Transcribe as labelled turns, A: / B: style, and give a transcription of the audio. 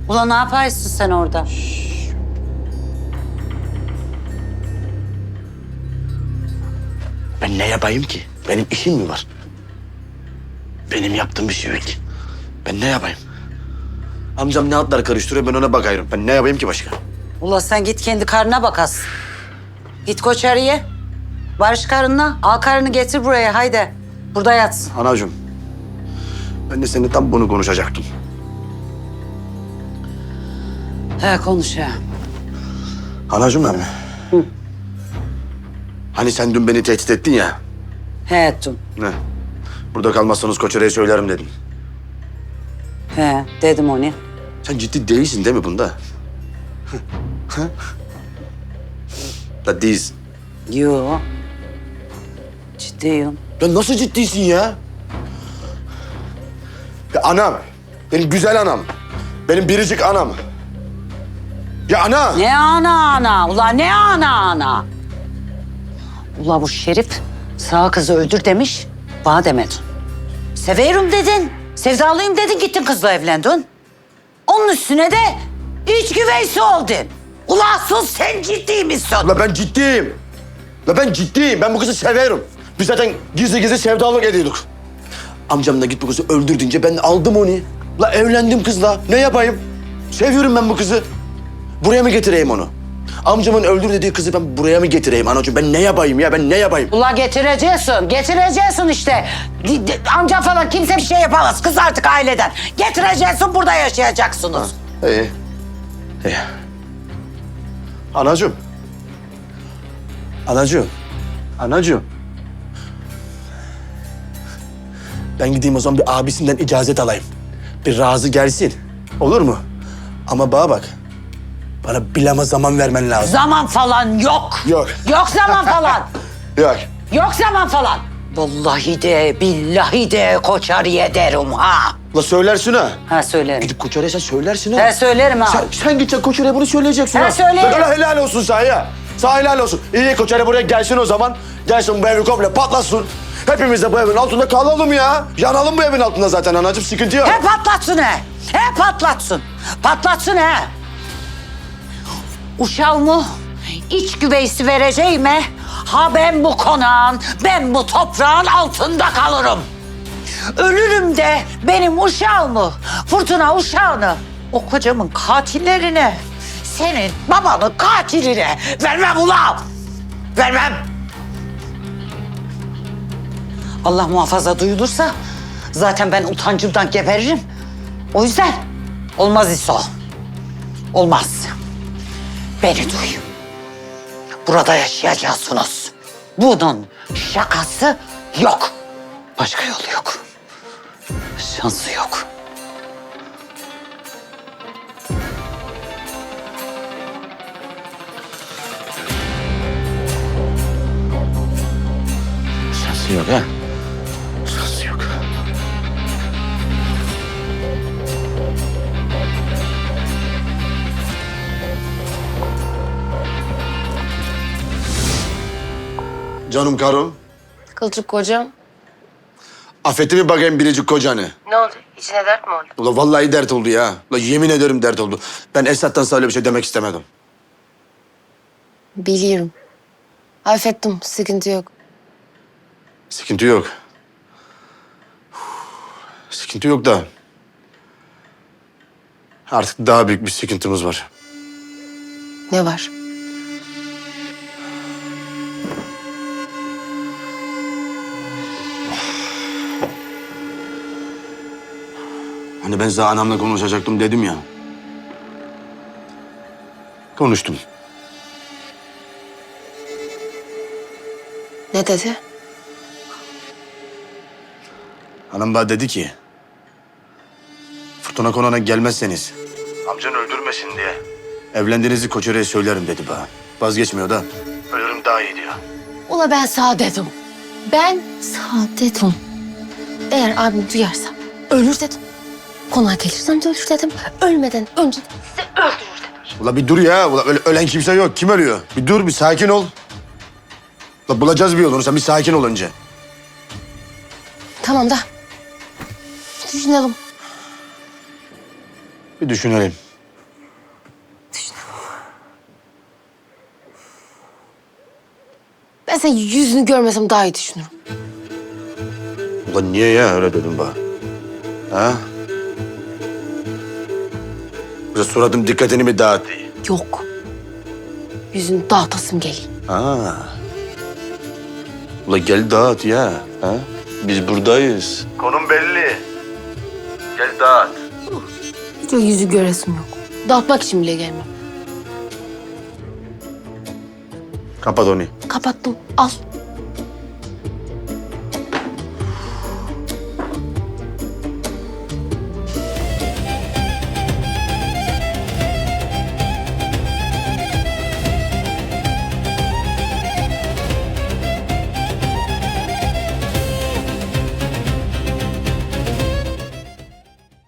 A: Ulan ne yaparsın sen orada?
B: Ben ne yapayım ki? Benim işim mi var? Benim yaptığım bir şey yok ki. Ben ne yapayım? Amcam ne atlar karıştırıyor, ben ona bakıyorum. Ben ne yapayım ki başka?
A: Ulan sen git kendi karnına bak as. Git Koçarı'ya. Barış karınla. Al karını getir buraya haydi. Burada yatsın.
B: Anacığım, ben de seninle tam bunu konuşacaktım.
A: He konuş ya.
B: Anacığım benim. Hani sen dün beni tehdit ettin ya.
A: He ettim.
B: Ne? Burada kalmazsanız Koçere'ye söylerim dedin.
A: He dedim onu.
B: Sen ciddi değilsin değil mi bunda? Da değilsin.
A: Yo. Ciddiyim.
B: Ya nasıl ciddisin ya? Ya anam, benim güzel anam. Benim biricik anam. Ya ana!
A: Ne ana? Ulan ne ana? Ula bu Şerif sağ kızı öldür demiş. Bana demedin. Severim dedin. Sevdalıyım dedin gittin kızla evlendin. Onun üstüne de iç güveysi oldun. Ula asıl sen ciddi misin?
B: La ben ciddiyim. La ben ciddiyim. Ben bu kızı severim. Biz zaten gizli gizli sevdalık ediyorduk. Amcam da git bu kızı öldür deyince ben aldım onu. La evlendim kızla. Ne yapayım? Seviyorum ben bu kızı. Buraya mı getireyim onu? Amcamın öldür dediği kızı ben buraya mı getireyim anacığım? Ben ne yapayım ya? Ben ne yapayım?
A: Ula getireceksin işte. Amca falan kimse bir şey yapamaz. Kız artık aileden. Getireceksin burada yaşayacaksınız.
B: İyi. İyi. Anacığım. Anacığım. Anacığım. Ben gideyim o zaman bir abisinden icazet alayım. Bir razı gelsin. Olur mu? Ama bana bak. Bana bilama zaman vermen lazım.
A: Zaman falan yok.
B: Yok.
A: Yok zaman falan.
B: Yok.
A: Yok zaman falan. Vallahi de billahi de Koçarı'ya derim ha.
B: La söylersin ha.
A: Ha söylerim.
B: Gidip Koçer'e sen söylersin ha.
A: He söylerim ha.
B: Sen gideceksin Koçer'e bunu söyleyeceksin
A: He,
B: ha.
A: söylerim.
B: Bak öyle helal olsun sana ya. Sana helal olsun. İyi Koçer'e buraya gelsin o zaman. Gelsin bu evi komple patlasın. Hepimiz de bu evin altında kalalım ya. Yanalım bu evin altında zaten anacığım, sıkıntı yok.
A: He patlatsın he. He patlatsın. Patlatsın he. Uşağımı iç güveysi vereceğime ha ben bu konağın, ben bu toprağın altında kalırım. Ölürüm de benim uşağımı, Fırtına uşağını, o kocamın katillerine, senin babanın katiline vermem ulan. Vermem. Allah muhafaza duyulursa zaten ben utancımdan geberirim. O yüzden olmaz İso. Olmaz. Beni duy. Burada yaşayacaksınız. Bunun şakası yok. Başka yolu yok. Şansı yok.
B: Şansı yok ha. Şansı yok. Canım karım.
C: Kılçık kocam.
B: Affetti mi bakayım biricik kocanı?
C: Ne oldu? İçine dert mi oldu?
B: Ula vallahi dert oldu ya. Ula yemin ederim dert oldu. Ben Esat'tan sana öyle bir şey demek istemedim.
C: Biliyorum. Affettim. Sıkıntı yok.
B: Sıkıntı yok. Sıkıntı yok da. Artık daha büyük bir sıkıntımız var.
C: Ne var?
B: Hani ben sana anamla konuşacaktım dedim ya. Konuştum.
C: Ne dedi?
B: Anam bana dedi ki... Fırtına konağına gelmezseniz... Amcan öldürmesin diye... Evlendiğinizi Koçere'ye söylerim dedi bana. Vazgeçmiyor da. Ölürüm daha iyi diyor.
C: Ula ben sağ dedim. Ben sağ dedim. Eğer abim duyarsa ölür dedim. Konağa gelirsem de ölür dedim. Ölmeden önce de sizi öldürür dedim.
B: Ula bir dur ya. Ula ölen kimse yok. Kim ölüyor? Bir dur, bir sakin ol. Ula bulacağız bir yolunu. Sen bir sakin ol önce.
C: Tamam da düşünelim.
B: Bir düşünelim.
C: Ben senin yüzünü görmesem daha iyi düşünürüm.
B: Ulan niye ya öyle dedin bana? Ha? Yoksa suratım dikkatini mi dağıttı?
C: Yok. Yüzünü dağıtasım geliyor.
B: Ha. Ula gel dağıt ya. Ha? Biz buradayız. Konum belli. Gel dağıt.
C: Hiç o yüzü göresim yok. Dağıtmak için bile gelmem.
B: Kapat onu.
C: Kapattım. Al.